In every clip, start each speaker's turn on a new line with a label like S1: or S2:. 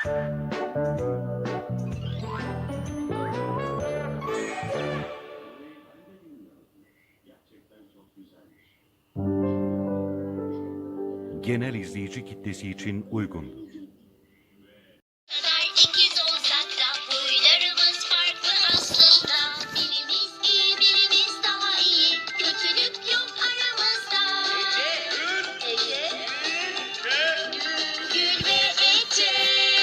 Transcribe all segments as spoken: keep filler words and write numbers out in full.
S1: Genel izleyici kitlesi için uygun.
S2: Kadar ikiz olsak da huylarımız farklı aslında. Birimiz iyi, birimiz daha iyi. Kötülük yok aramızda. Ece, Gül ve Ece.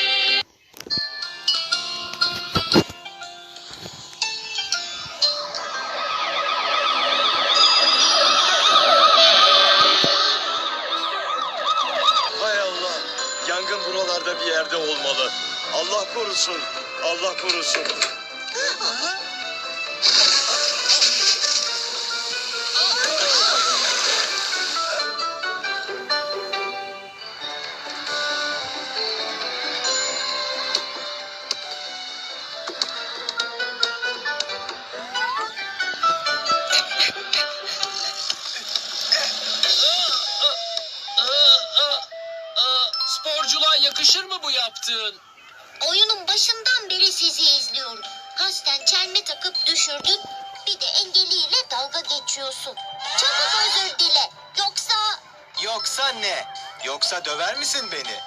S3: Hay Allah! Yangın buralarda bir yerde olmalı. Allah korusun, Allah korusun.
S4: Sporculuğa yakışır mı bu yaptığın?
S2: Oyunun başından beri sizi izliyorum. Kasten çelme takıp düşürdün. Bir de engelliyle dalga geçiyorsun. Çabuk özür dile. Yoksa...
S3: Yoksa ne? Yoksa döver misin beni?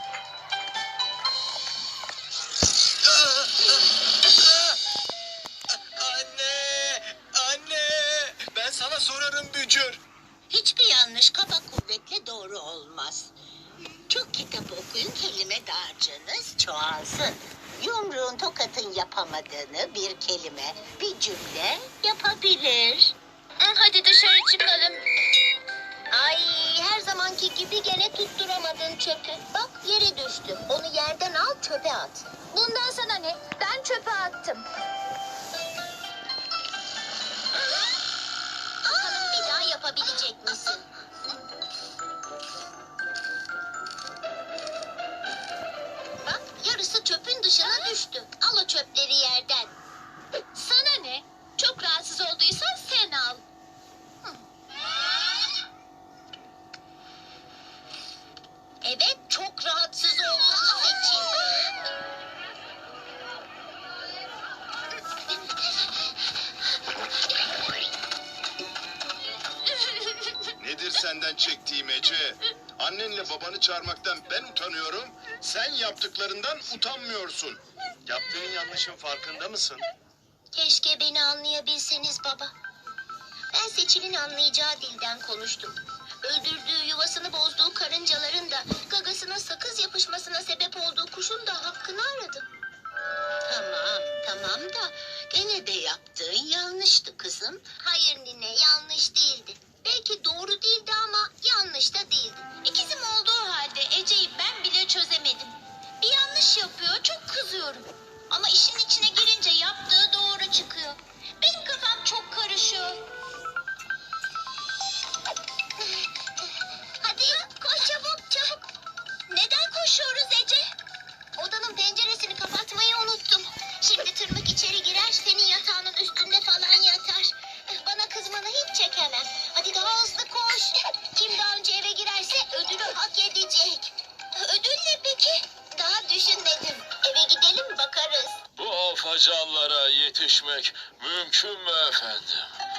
S3: Anne! Anne! Ben sana sorarım Bücür.
S5: Hiçbir yanlış kafa kuvvetle doğru olmaz. Çok kitap okuyun, kelime dağarcığınız çoğalsın. Yumruğun tokatın yapamadığını bir kelime, bir cümle yapabilir.
S2: Hadi dışarı çıkalım. Ay, her zamanki gibi gene tutturamadın çöpü. Bak yere düştü. Onu yerden al, çöpe at. Bundan sana ne? Ben çöpe attım. Bakalım bir daha yapabilecek misin? Bak yarısı çöpün dışına düştü. Al o çöpleri yerden. Sana ne? Çok rahatsız olduysan sen al. Evet, çok rahatsız olduğunu seçin.
S6: Nedir senden çektiğim Ece? Annenle babanı çağırmaktan ben utanıyorum. Sen yaptıklarından utanmıyorsun.
S3: Yaptığın yanlışın farkında mısın?
S2: Keşke beni anlayabilseniz baba. Ben Seçil'in anlayacağı dilden konuştum. Öldürdüğü, yuvasını bozduğu karıncaların da, gagasına sakız yapışmasına sebep olduğu kuşun da hakkını aradım.
S5: Tamam, tamam da gene de yaptığın yanlıştı kızım.
S2: Hayır nine, yanlış değildi. Belki doğru değildi ama yanlış da değildi. İkizim olduğu halde Ece'yi ben bile çözemedim. Bir yanlış yapıyor, çok kızıyorum. Ama işin içine girince yaptığı doğru çıkıyor. Benim kafam çok karışıyor. Hadi koş çabuk çabuk. Neden koşuyoruz Ece? Odanın penceresini kapatmayı unuttum. Şimdi tırmık içeri girer, senin yatağının üstünde falan yatar. Bana kızmanı hiç çekemem. Hadi daha hızlı koş. Kim daha önce eve girerse ödülü hak edecek. Ödül ne peki? Daha düşünmedim. Eve gidelim bakarız.
S4: Bu afacanlara yetişmek mümkün mü efendim?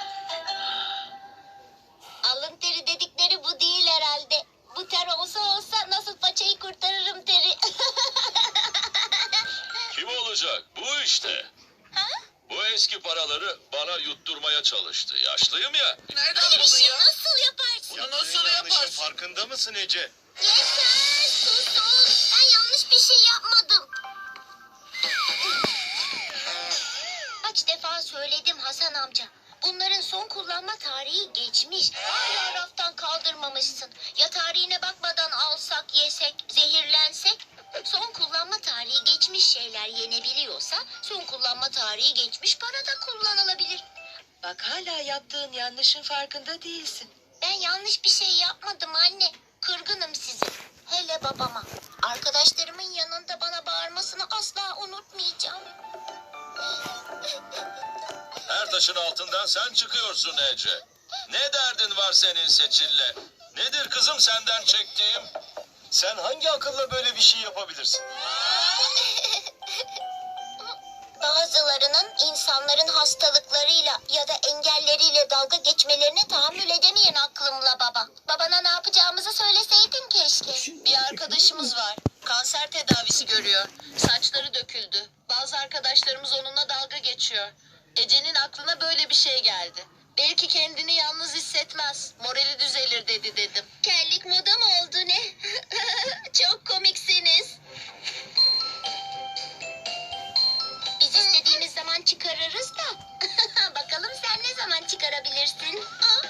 S2: Alın teri dedikleri bu değil herhalde. Bu ter olsa olsa nasıl paçayı kurtarırım teri.
S4: Kim olacak? Bu işte.
S2: Ha?
S4: Bu eski paraları bana yutturmaya çalıştı. Yaşlıyım ya.
S5: Nereden
S2: Böyle bir şey nasıl yaparsın?
S5: Bunu
S3: Yaptığın
S5: nasıl
S3: yanlışın
S5: yaparsın?
S3: farkında mısın Ece?
S2: Yeter susun. Ben yanlış bir şey yapmadım. Kaç defa söyledim Hasan amca. Bunların son kullanma tarihi geçmiş. Hala raftan kaldırmamışsın. Ya tarihine bakmadan alsak, yesek, zehirlensek? Son kullanma tarihi geçmiş şeyler yenebiliyorsa son kullanma tarihi geçmiş para da kullanılabilir.
S5: Bak hala yaptığın yanlışın farkında değilsin.
S2: Ben yanlış bir şey yapmadım anne. Kırgınım size. Hele babama. Arkadaşlarımın yanında bana bağırmasını asla unutmayacağım.
S4: Her taşın altından sen çıkıyorsun Ece. Ne derdin var senin Seçil'le? Nedir kızım senden çektiğim?
S3: Sen hangi akılla böyle bir şey yapabilirsin?
S2: Bazılarının insanların hastalıklarıyla ya da engelleriyle dalga geçmelerine tahammül edemeyen aklımla baba. Babana ne yapacağımızı söyleseydin keşke.
S5: Bir arkadaşımız var. Kanser tedavisi görüyor. Saçları döküldü. Bazı arkadaşlarımız onunla dalga geçiyor. Ece'nin aklına böyle bir şey geldi. Belki kendini yalnız hissetmez. Morali düzelir dedi dedim.
S2: Kellik moda mı oldu ne? Çok komiksiniz. Biz istediğimiz zaman çıkarırız da. Bakalım sen ne zaman çıkarabilirsin? Aa!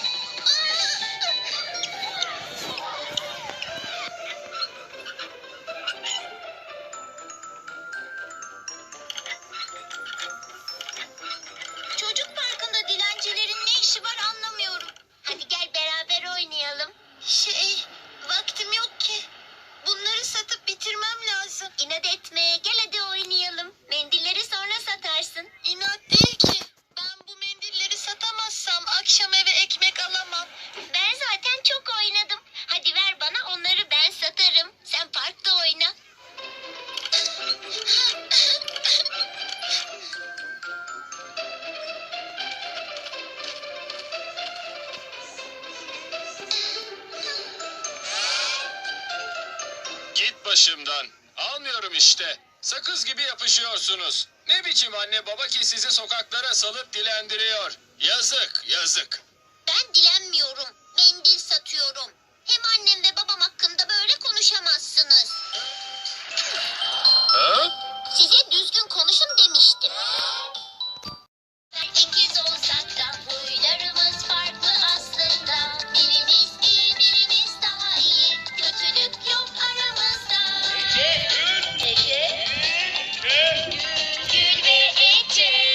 S2: Çocuk parkında dilencilerin ne işi var anlamıyorum. Hadi gel beraber oynayalım. Şey, vaktim yok ki. Bunları satıp bitirmem lazım. İnat etme, gel hadi oynayalım. Mendilleri sonra satarsın.
S5: İnat değil ki. Ben bu mendilleri satamazsam akşam eve ekmek alamam.
S2: Ben zaten çok oynadım. Hadi ver bana, onları ben satarım. Sen parkta oyna.
S4: Git başımdan. Almıyorum işte. Sakız gibi yapışıyorsunuz. Ne biçim anne baba ki sizi sokaklara salıp dilendiriyor. Yazık, yazık.
S2: Ben dilenmiyorum. Mendil satıyorum. Hem annem ve babam hakkında böyle konuşamazsınız.
S4: Ha?
S2: Size düzgün konuşun demiştim. İkiz olsak da huylarımız farklı aslında. Birimiz iyi, birimiz daha iyi. Kötülük yok aramızda. Ece, Ece, Gül ve Ece.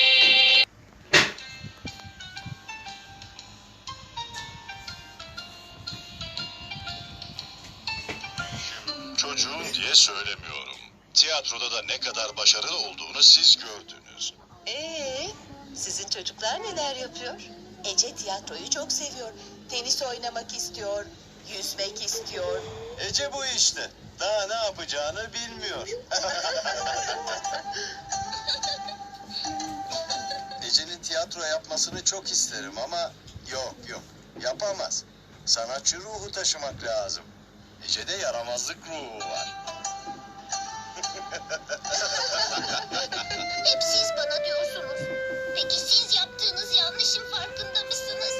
S6: Çocuğum diye söylemiyorum. Tiyatroda da ne kadar başarılı olduğunu siz gördünüz.
S5: Ee, sizin çocuklar neler yapıyor? Ece tiyatroyu çok seviyor. Tenis oynamak istiyor. Yüzmek istiyor.
S3: Ece bu işte. Daha ne yapacağını bilmiyor. Ece'nin tiyatro yapmasını çok isterim ama yok yok yapamaz. Sanatçı ruhu taşımak lazım. Ece'de yaramazlık ruhu var.
S2: Hep siz bana diyorsunuz. Peki siz yaptığınız yanlışın farkında mısınız?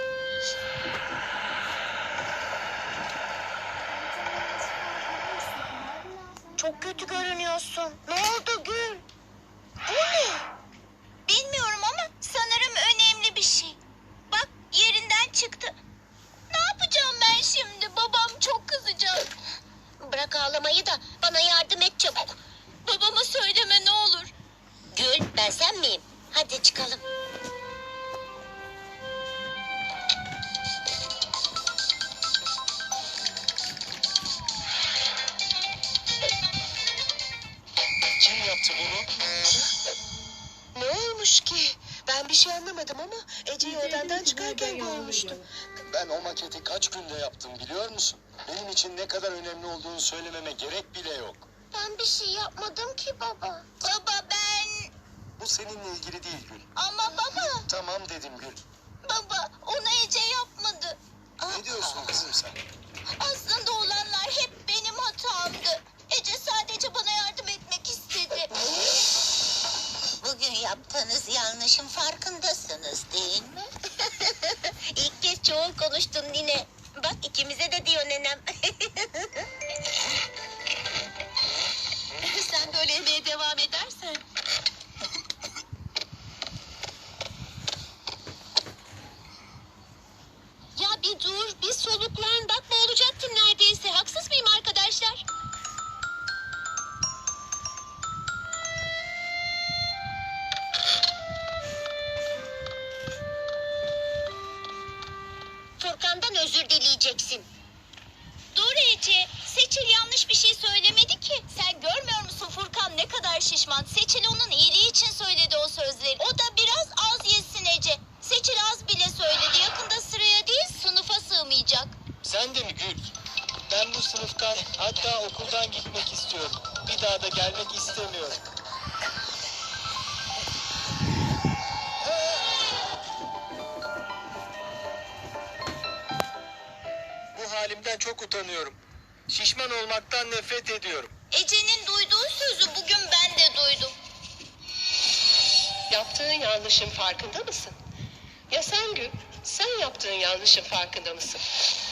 S2: Çok kötü görünüyorsun. Ne oldu Gül? Bu ne? Bilmiyorum ama sanırım önemli bir şey. Bak yerinden çıktı. Ne yapacağım ben şimdi? Babam çok kızacak. Bırak ağlamayı da bana yardım et çabuk. Babama söyleme ne olur. Gül, ben sen miyim? Hadi çıkalım.
S3: Kim yaptı bunu?
S5: Ne olmuş ki? Ben bir şey anlamadım ama Ece'yi odandan çıkarken görmüştüm.
S3: Ben o maketi kaç günde yaptım biliyor musun? Benim için ne kadar önemli olduğunu söylememe gerek bile yok.
S2: Ben bir şey yapmadım ki baba. Baba ben...
S3: Bu seninle ilgili değil Gül.
S2: Ama baba,
S3: Tamam dedim Gül.
S2: baba onu Ece yapmadı.
S3: Ne diyorsun kızım sen?
S2: Aslında olanlar hep benim hatamdı. Ece sadece bana yardım etmek istedi.
S5: Bugün yaptığınız yanlışın farkındasınız değil mi?
S2: İlk kez çoğul konuştun Nine. Bak ikimize de diyor nenem.
S5: Sen böyle yemeye devam edersen.
S2: Ya bir dur, bir soluklan. Bak boğulacaktım neredeyse. Haksız mıyım arkadaşlar? Furkan'dan özür dileyeceksin. Dur Ece, Seçil yanlış bir şey söylemedi ki. Sen görmüyor musun Furkan ne kadar şişman? Seçil onun iyiliği için söyledi o sözleri. O da biraz az yesin Ece. Seçil az bile söyledi. Yakında sıraya değil sınıfa sığmayacak.
S3: Sen de mi Gül? Ben bu sınıftan
S4: Bir daha da gelmek istemiyorum. Bu halimden çok utanıyorum. Şişman olmaktan nefret ediyorum.
S2: Ece'nin duyduğu sözü bugün ben de duydum.
S7: Yaptığın yanlışın farkında mısın? Ya sen Gül, sen yaptığın yanlışın farkında mısın?